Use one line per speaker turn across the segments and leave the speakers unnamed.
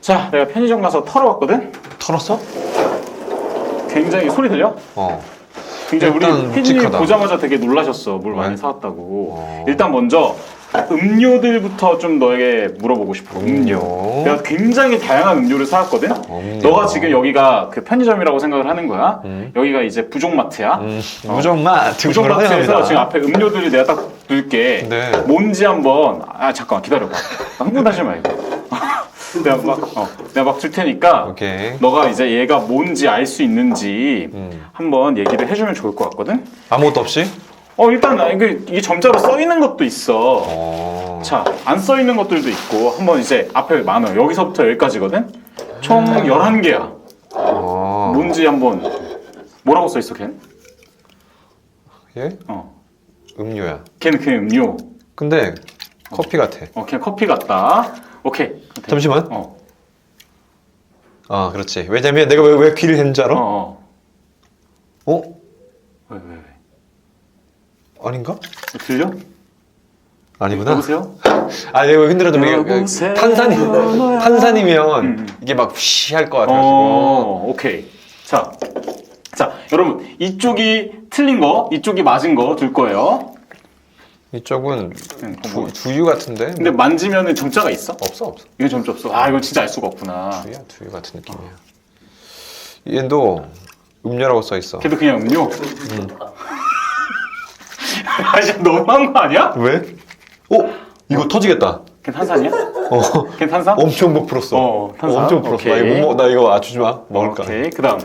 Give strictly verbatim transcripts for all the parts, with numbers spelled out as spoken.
자, 내가 편의점 가서 털어왔거든?
털었어?
굉장히 소리 들려?
어.
굉장히 우리
일단
피디님
묵직하다.
보자마자 되게 놀라셨어. 물
왜?
많이 사왔다고.
어.
일단 먼저 음료들부터 좀 너에게 물어보고 싶어. 음료.
음료.
내가 굉장히 다양한 음료를 사왔거든?
음료.
너가 지금 여기가 그 편의점이라고 생각을 하는 거야.
음.
여기가 이제 부족마트야.
음,
어.
무정맛.
부족마트에서 지금 앞에 음료들을 내가 딱 둘게.
네.
뭔지 한번, 아, 잠깐만 기다려봐. 흥분하지 말고. 내가 막, 어, 내가 막 줄 테니까.
오케이.
너가 이제 얘가 뭔지 알 수 있는지
음.
한번 얘기를 해주면 좋을 것 같거든?
아무것도 없이?
어, 일단, 나 이게, 이게 점자로 써 있는 것도 있어.
어.
자, 안 써 있는 것들도 있고, 한번 이제 앞에 많아. 여기서부터 여기까지거든? 총 열한 개야.
어.
뭔지 한번, 뭐라고 써 있어, 걘?
예?
어.
음료야.
걔는 그냥 음료.
근데 커피 같아.
어, 그냥 커피 같다. 오케이. 오케이.
잠시만.
어.
아, 그렇지. 왜냐면 내가 왜, 왜 귀를 했는 줄
어,
알아?
어.
어?
왜, 왜, 왜?
아닌가?
들려?
아니구나.
여보세요?
아, 내가 흔들어도 내가
여보세요?
탄산이 탄산이면
음, 음.
이게 막 휘 할 것 같아가지고.
어, 오케이. 자, 자, 여러분 이쪽이 틀린 거, 이쪽이 맞은 거 둘 거예요.
이쪽은
응,
두,
뭐.
두유 같은데?
근데 만지면은 점자가 있어?
없어 없어.
이건 점자 없어. 아, 이건 진짜 알 수가 없구나.
두유야 두유 같은 느낌이야. 얘도 음료라고 써 있어.
걔도 그냥 음료.
음.
아, 진짜 너무한 거 아니야?
왜? 어? 이거 터지겠다.
걔 탄산이야?
어.
걔 탄산?
엄청 못 풀었어.
어, 탄산?
엄청 풀었어. 나
오케이.
이거 못 먹, 나 이거 맞추지 마. 먹을까?
오케이. 그다음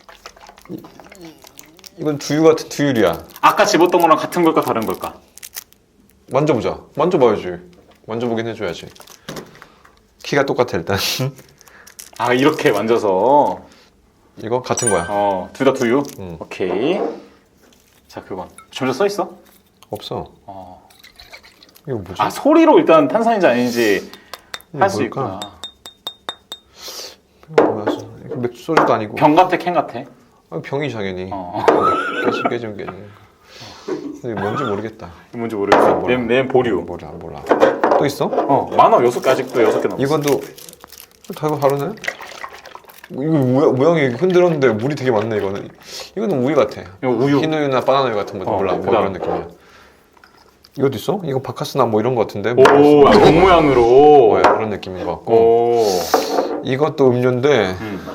이건 두유 같은 두유리야.
아까 집었던 거랑 같은 걸까 다른 걸까?
만져보자. 만져봐야지. 만져보긴 해줘야지. 키가 똑같아 일단.
아, 이렇게 만져서
이거 같은 거야.
어, 둘 다 두유?
음.
오케이. 자, 그건 점자 써 있어?
없어.
어.
이거 뭐지?
아, 소리로 일단 탄산인지 아닌지
이게
할 수
뭘까?
있구나.
이거 뭐야? 이거 맥주 소주도 아니고.
병 같아, 캔 같아?
아, 병이 당연히.
어.
깨지 깨지면 깨지는 거. 근데 뭔지 모르겠다.
뭔지 모르겠어.
몰라.
내, 내 보류.
몰라 몰라. 또 있어?
어, 많아. 여섯 개 아직도 여섯 개 남았어.
이건도 다 이거 다르네? 이거 모양, 모양이 흔들었는데 물이 되게 많네 이거는. 이거는 우유 같아.
이거 우유.
흰 우유나 바나나 우유 같은 거
어,
몰라. 뭐
그다음.
이런 느낌이야. 이것도 있어? 이거 바카스나 뭐 이런 거 같은데?
오, 아, 병 모양으로.
뭐야 그런 느낌인 것 같고.
오.
이것도 음료인데.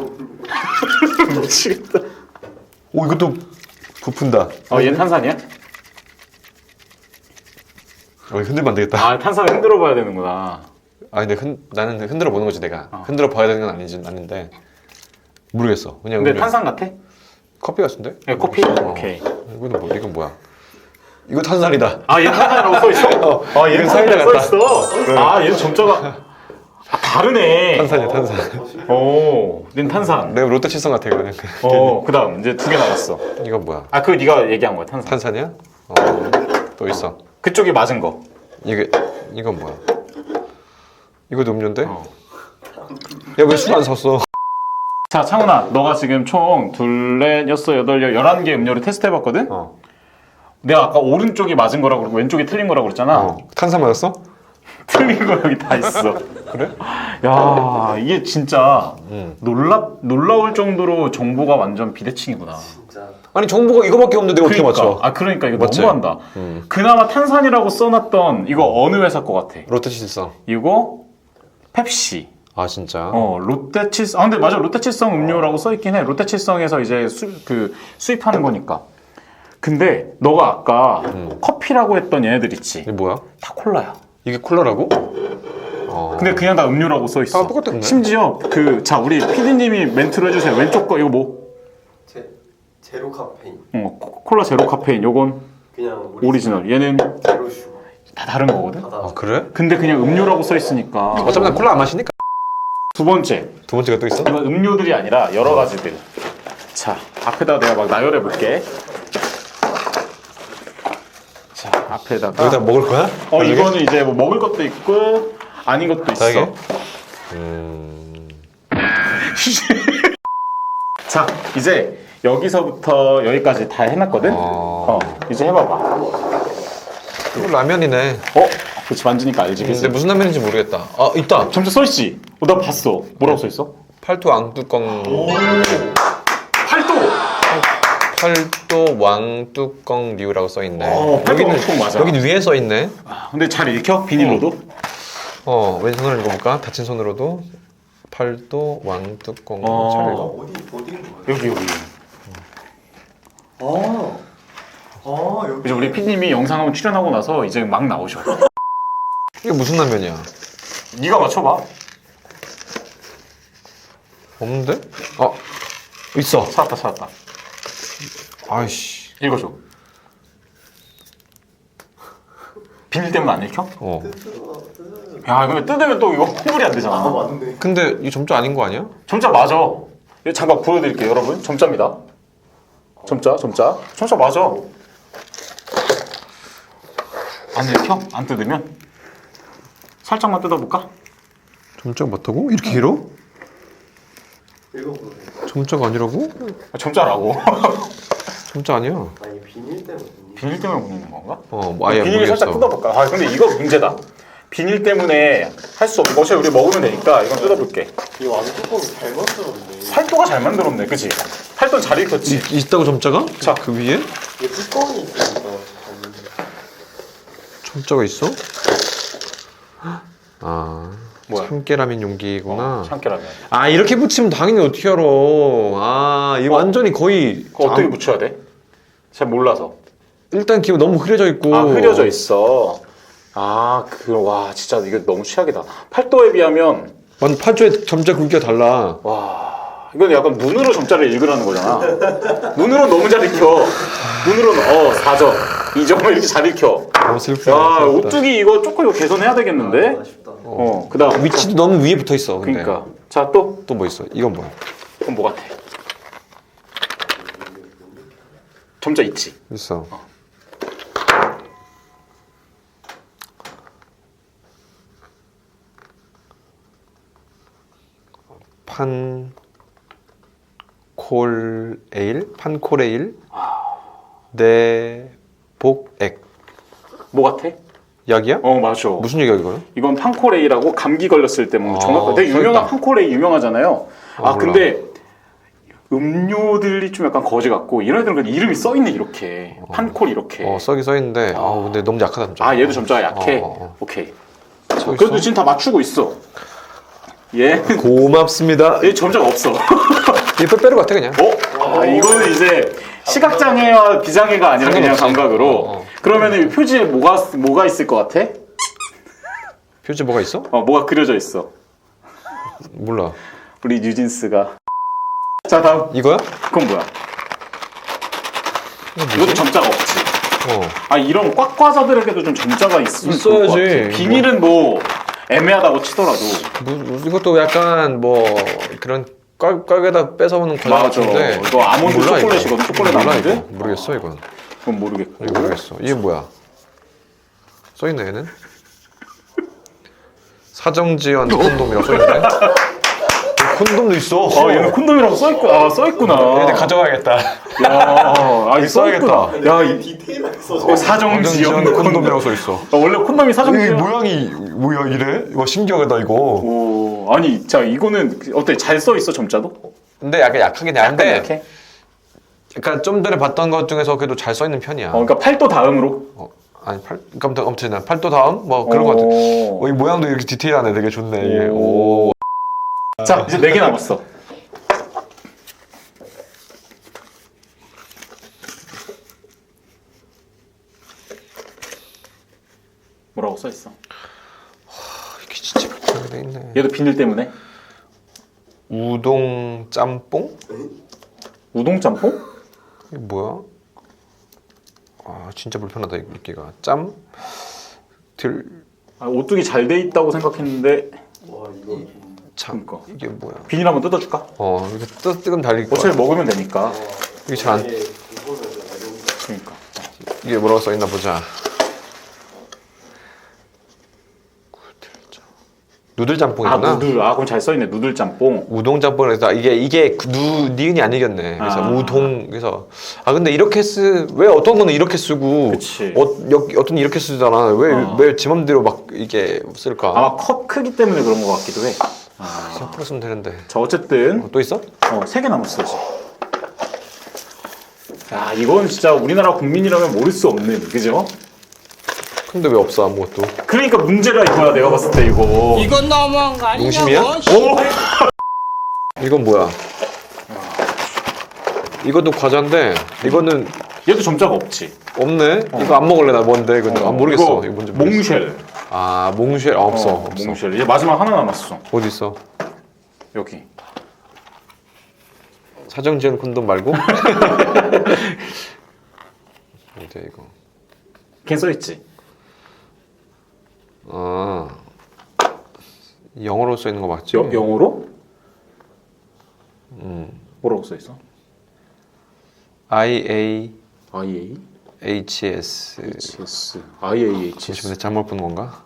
미치겠다.
오 이것도 부푼다.
어, 얘는 탄산이야?
어, 흔들면 안 되겠다.
아, 탄산 흔들어 봐야 되는구나.
아 근데 흔, 나는 흔들어 보는 거지 내가.
어.
흔들어 봐야 되는 건 아니지 아닌데 모르겠어. 그냥
근데
음료.
탄산 같아?
커피 같은데?
네, 커피?
어.
오케이.
이거는 뭐 이건 뭐야? 이거 탄산이다.
아, 얘 탄산이라고 써 있어?
어,
아, 얘
이건
탄산이라고
사이다
써 있어? 아, 얘는 점자가 아, 다르네.
탄산이야 탄산.
오, 는 탄산.
내가 롯데 칠성 같아 이거는.
어, 그다음 이제 두 개 남았어.
이거 뭐야?
아, 그거 네가 얘기한 거야, 탄산.
탄산이야? 어, 또 있어.
그쪽이 맞은 거.
이게 이건 뭐야? 이것도 음료인데?
어.
야 왜 술 안 샀어?
자, 창훈아, 너가 지금 총 둘, 넷, 여섯, 여덟, 열, 열한 개 음료를 테스트해봤거든?
어.
내가 아까 오른쪽이 맞은 거라고 그러고 왼쪽이 틀린 거라고 그랬잖아.
어. 탄산 맞았어?
틀린 거 여기 다 있어.
그래?
야, 이게 진짜
응.
놀라, 놀라울 정도로 정보가 완전 비대칭이구나.
아니 정보가 이거밖에 없는데 내가 어떻게
그러니까.
맞춰?
아, 그러니까 이거
맞지?
너무한다.
음.
그나마 탄산이라고 써놨던 이거 어느 회사 거 같아?
롯데 칠성.
이거 펩시.
아 진짜?
어, 롯데칠성. 아, 근데 맞아. 롯데칠성 음료라고 써있긴 해. 롯데칠성에서 이제 수, 그 수입하는 거니까. 근데 너가 아까
음.
커피라고 했던 얘네들 있지?
이게 뭐야?
다 콜라야.
이게 콜라라고? 어.
근데 그냥 다 음료라고 써있어.
아, 똑같네.
심지어 그, 자, 우리 피디님이 멘트를 해주세요. 왼쪽 거 이거 뭐?
제, 제로 카페인
어, 코- 콜라 제로 카페인. 요건
그냥
오리지널. 얘는
제로 슈거
다 다른 거거든?
다
아 그래?
근데 그냥 음료라고 써있으니까.
어차피 난 콜라 안 마시니까.
두 번째.
두 번째가 또 있어?
이건 음료들이 아니라 여러 가지들. 자, 앞에다가 내가 막 나열해 볼게. 자, 앞에다가.
여기다 먹을 거야?
어,
나중에?
이거는 이제 뭐 먹을 것도 있고 아닌 것도 있어.
다르게? 음...
자, 이제 여기서부터 여기까지 다 해놨거든.
어...
어, 이제 해봐봐.
이거 라면이네.
어? 그렇지 만지니까 알지.
근데
그치?
무슨 라면인지 모르겠다. 아 있다.
점자 써있지? 어, 나 봤어. 뭐라고 써있어?
팔도 왕뚜껑.
팔도!
팔도 왕뚜껑류라고 써있네.
어, 팔도 왕뚜껑 맞아.
여긴 위에 써있네.
아, 근데 잘 읽혀? 비닐로도?
어 왼손으로 읽어볼까? 다친 손으로도 팔도 왕뚜껑.
어.
잘
아,
읽어.
어디 어디인 거예요?
여기 여기.
아, 아 여기.
이제 우리 피디님이 영상 한번 출연하고 나서 이제 막 나오셔.
이게 무슨 라면이야?
네가 맞춰봐.
없는데? 어 있어.
찾았다 찾았다.
아이씨.
읽어줘. 비닐 때문에 안 읽혀?
어.
야 근데 뜯으면 또 이거 환불이 안 되잖아.
아 맞네.
근데 이 점자 아닌 거 아니야?
점자 맞아. 이거 잠깐 보여드릴게요 여러분. 점자입니다. 점자 점자. 점자 맞아. 안 읽혀? 안 뜯으면? 살짝만 뜯어볼까?
점자가 맞다고? 이렇게 길어?
읽어보세요.
점자가 아니라고?
아, 점자라고.
점자 아니야.
아니 비닐 때문에.
비닐 때문에 묻는 건가?
어, 뭐 아예
비닐을
모르겠어.
살짝 뜯어볼까? 아 근데 이거 문제다. 비닐 때문에 할 수 없는 것이 우리 먹으면 되니까 이건 뜯어볼게.
이 왕뚜껑이 잘 만들었네.
팔도가 잘 만들었네, 그치? 팔도 잘 익혔지.
이, 있다고 점자가?
자.
그 위에?
이게 뚜껑이 있으니까.
점자가 있어? 아,
뭐야?
참깨라면 용기구나.
어, 참깨라면.
아 이렇게 붙이면 당연히 어떻게 알아? 아, 이
어.
완전히 거의
그거 어떻게
안-
붙여야 돼? 잘 몰라서.
일단 기본 너무 흐려져 있고.
아 흐려져 있어. 아, 그, 와, 진짜 이게 너무 최악이다. 팔도에 비하면,
완 팔조의 점자 굵기가 달라.
와, 이건 약간 눈으로 점자를 읽으라는 거잖아. 눈으로 너무 잘 읽혀. 눈으로는, 어, 사 점, 이 점을 이렇게 잘 읽혀.
너무 슬프다.
야,
슬프다.
오뚜기 이거 조금 이거 개선해야 되겠는데?
아쉽다.
어, 그 다음.
위치도 너무 위에 붙어 있어. 근데.
그니까. 자, 또,
또 뭐 있어? 이건 뭐야?
그럼 뭐 같아? 점자 있지?
있어. 판콜에일? 판콜에일? 내복액.
뭐 같아?
약이야?
어, 맞아.
무슨 약이야 이거는?
이건 판코레이라고 감기 걸렸을 때 먹는
아,
정말 되게
써있다.
유명한 판코레이 유명하잖아요.
아,
아,
몰라.
근데 음료들이 좀 약간 거지 같고 이런 애들은 그냥 이름이 써 있네 이렇게 판콜 이렇게.
어 써기 써있는데 아 근데 너무 약하다 점자.
아 얘도 점자가 약해.
어, 어, 어.
오케이.
써
그래도
있어?
지금 다 맞추고 있어. 얘,
고맙습니다.
얘 점자가 없어.
이 빼빼로 같아 그냥.
어? 아, 이거는 이제 시각장애와 비장애가 아니라 그냥
상관없지.
감각으로.
어, 어.
그러면은 이 표지에 뭐가 뭐가 있을 것 같아?
표지 뭐가 있어?
어, 뭐가 그려져 있어.
몰라.
우리 뉴진스가. 자 다음.
이거야?
그건 뭐야? 이것도 점자가 없지.
어.
아 이런 꽉과자들에게도 좀 점자가 있으면 좋을 것
있어야지.
같아. 비닐은 뭐 애매하다고 치더라도.
뭐, 이것도 약간 뭐 그런 꽉, 꽉에다 뺏어오는 과자
맞아.
같은데
이거 아몬드
몰라, 이거.
초콜릿이거든. 초콜릿
몰라,
아몬드?
이거. 모르겠어 이건.
그건 모르겠고.
이거 모르겠어. 이게 뭐야? 써있네 얘는. 사정지연 콘돔이라고 써있네. 콘돔도 있어.
아 얘는 콘돔이라고 써있구, 아, 써있구나.
얘네 가져가야겠다.
야, 아, 이 써있구나. 야, 이
디테일하게
어,
써서.
사정지연
사정지연 콘돔이라고 써있어.
아, 원래 콘돔이 사정지연.
모양이 뭐야 이래? 와 신기하다 이거.
오, 아니, 자 이거는 어때? 잘 써있어 점자도?
근데 약간 약하긴
약간
한데
약해?
약간 좀 전에 봤던 것 중에서 그래도 잘 써있는 편이야.
어, 그러니까 팔도 다음으로.
어, 아니 팔, 그러니까 아무튼 난 팔도 다음 뭐 그런 것 같아.
오.
어, 이 모양도 이렇게 디테일하네. 되게 좋네 이게.
오.
오.
자 이제 네 개 남았어. 뭐라고 써있어?
이게 진짜 복잡하게 돼 있네.
얘도 비닐 때문에?
우동 짬뽕?
우동 짬뽕?
이게 뭐야? 아 진짜 불편하다 읽기가. 짬? 들?
아, 오뚜기 잘 돼 있다고 생각했는데
와 이거.
참
그러니까.
이게 뭐야?
비닐 한번 뜯어줄까?
어 이게 뜨 뜨금 달릴 거야.
어차피 먹으면 되니까.
이게 잘 안.
이게 이거는 어려운데.
그러니까.
이게 뭐라고 써 있나 보자. 누들
아
짬뽕이구나.
누들. 아 그럼 잘 써있네. 누들 짬뽕.
우동 짬뽕에서 이게 이게 누 니은이 안 이겼네. 그래서
아.
우동 그래서 아 근데 이렇게 쓰 왜 어떤 거는 이렇게 쓰고
그치.
어, 여, 어떤 이렇게 쓰잖아. 왜 왜
어.
지 맘대로 막 이게 쓸까?
아마 컵 크기 때문에 그런 것 같기도 해.
그냥 풀었으면 되는데.
자 어쨌든
어, 또 있어?
어, 세 개 남았어 지금. 야 이건 진짜 우리나라 국민이라면 모를 수 없는 그죠?
근데 왜 없어 아무것도?
그러니까 문제가 이거야 내가 봤을 때 이거.
이건 너무한 거
농심이야?
아니냐고?
이건 뭐야? 이것도 과자인데 이거는
얘도 점자가 없지.
없네. 이거 안 먹을래 나 뭔데 이거
어,
아, 모르겠어.
이거
이거 뭔지 모르겠어.
몽쉘.
아 몽쉘 아, 없어
어,
없어.
몽쉘. 이제 마지막 하나 남았어.
어디 있어?
여기.
사정 지은 콘돔 말고? 어디 이거?
걔 써있지.
아 영어로 써 있는 거 맞지?
여, 영어로? 음. 뭐라고 써있어?
I A
아이에이?
H S.
에이치에스. 아이에이 에이치에스.
잠시만 잘못 본 건가?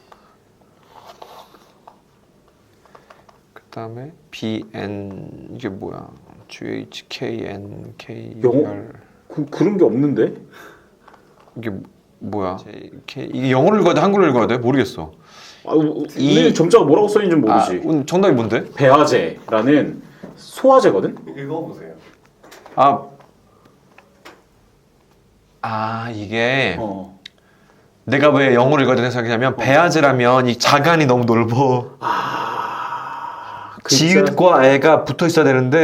그 다음에 B N 이게 뭐야? G H K N K
영어?
R
그, 그런 게 없는데?
이게 뭐야? J, K, 이게 영어를 읽어야 돼? 한글로 읽어야 돼? 모르겠어.
아, 이 점자가 뭐라고 써있는지 모르지.
아, 오늘 정답이 뭔데?
배아제라는 소화제거든?
읽어보세요.
아, 아 이게
어.
내가 왜 영어를 읽어야 되는 생각이냐면 배아제라면 이 자간이 너무 넓어.
글자.
지읒과 애가 붙어 있어야 되는데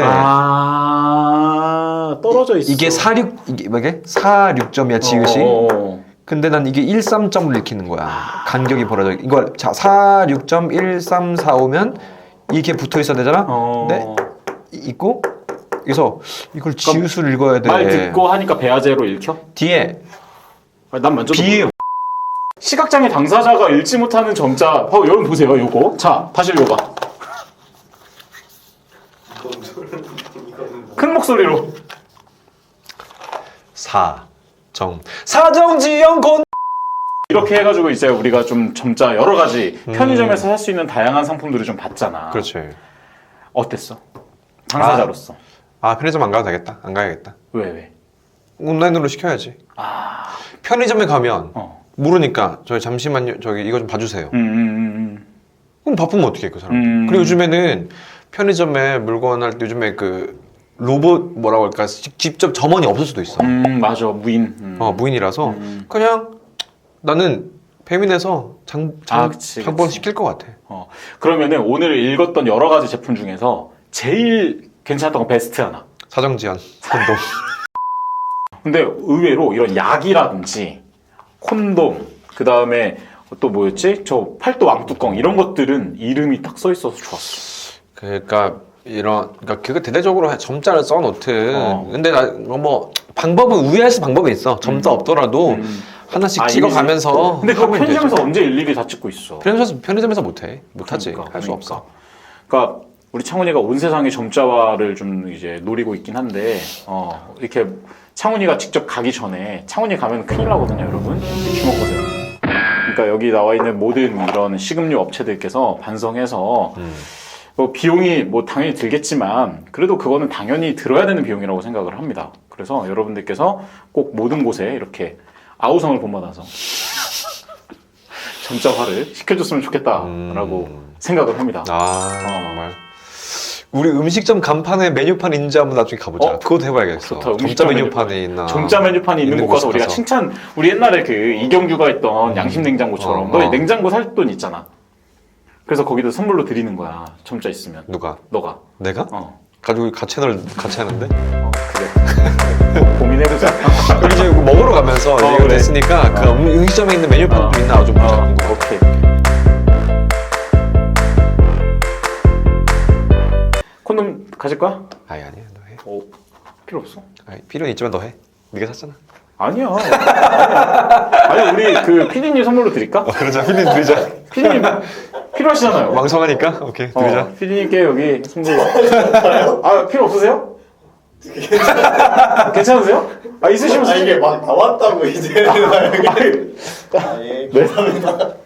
아, 떨어져 있어.
이게 사육 이게 뭐게? 사육 점이야 지읒이.
어.
근데 난 이게 십삼 점을 읽히는 거야. 간격이 벌어져. 이거 자 사육 점 일삼사오면 이게 붙어 있어야 되잖아.
어.
근데 이- 있고 그래서 이걸 지읒을 읽어야 돼.
말 듣고 하니까 배아제로 읽혀?
뒤에
아니, 난 만져도
비
몰라. 시각장애 당사자가 읽지 못하는 점자. 어, 여러분 보세요, 요거. 자, 다시 읽어봐. 큰 목소리로.
사정 사정지연 곤
이렇게 해가지고 이제 우리가 좀 점자 여러 가지 편의점에서 살 수 있는 다양한 상품들을 좀 봤잖아.
그렇지.
어땠어? 당사자로서.
아 편의점 안 가도 되겠다. 안 가야겠다.
왜 왜?
온라인으로 시켜야지.
아,
편의점에 가면
어.
모르니까 저희 잠시만요. 저기 이거 좀 봐주세요.
음, 음,
그럼 바쁘면 어떻게 해, 그 사람?
음.
그리고 요즘에는 편의점에 물건 할 때 요즘에 그 로봇 뭐라고 할까 직- 직접 점원이 없을 수도 있어.
음, 음, 맞아, 무인. 음.
어 무인이라서
음.
그냥 배민에서 장, 장, 장,
아, 그치,
장본
그치.
시킬 것 같아.
어. 그러면은 오늘 읽었던 여러 가지 제품 중에서 제일 괜찮았던 거 베스트 하나.
사정지연 콘돔.
근데 의외로 이런 약이라든지 콘돔, 그 다음에 또 뭐였지? 저 팔도 왕뚜껑 이런 것들은 이름이 딱 써 있어서 좋았어.
그러니까 이런 그러니까 그거 대대적으로 점자를 써놓든.
어.
근데 나, 뭐 방법은 우회할 수 방법이 있어. 점자 없더라도
음.
하나씩
아,
찍어가면서.
근데 그거
하면
편의점에서
되죠.
언제 일일이 다 찍고 있어?
편의점에서 편의점에서 못해. 못하지.
그러니까,
할 수
그러니까.
없어.
그러니까 우리 창훈이가 온 세상의 점자화를 좀 이제 노리고 있긴 한데 어, 이렇게 창훈이가 직접 가기 전에 창훈이 가면 큰일 나거든요, 여러분. 주목 보세요. 그러니까 여기 나와 있는 모든 이런 식음료 업체들께서 반성해서
음.
뭐 비용이 뭐 당연히 들겠지만 그래도 그거는 당연히 들어야 되는 비용이라고 생각을 합니다. 그래서 여러분들께서 꼭 모든 곳에 이렇게 아우성을 본받아서 점자화를 시켜줬으면 좋겠다라고
음.
생각을 합니다.
아 정말. 우리 음식점 간판에 메뉴판 인지 한번 나중에 가보자.
어?
그것도 해봐야겠어.
좋다,
점자
음식점
메뉴판이 있나.
점자 메뉴판이 있는 곳 가서
곳
우리가 칭찬, 우리 옛날에 그 이경규가 했던 양심 냉장고처럼
어,
너
어.
냉장고 살 돈 있잖아. 그래서 거기다 선물로 드리는 거야. 점자 있으면.
누가?
너가.
내가?
어.
가지고 같이 채널 같이 하는데?
어, 그래. 고- 고민해보자.
우리 이제 이거 먹으러 가면서
어,
이거
그래.
됐으니까 그
어.
음- 음식점에 있는 메뉴판도
어.
있나 좀 보자.
어,
궁금해.
오케이. 콘돔 가질 거야?
아니 아니야 너 해.
어, 필요 없어.
아니, 필요는 있지만 너 해. 네가 샀잖아.
아니야. 아니야. 아니, 우리 그 피디님 선물로 드릴까?
그러자. 필린 드리자.
피디님 필요하시잖아요.
왕성하니까 오케이 드리자.
어, 피디님께 여기 선물로. 아, 필요 없으세요? 괜찮으세요? 아, 있으시면
아
쓰시-
이게 막 나왔다고 이제.
아니,
아, 예, 감사합니다.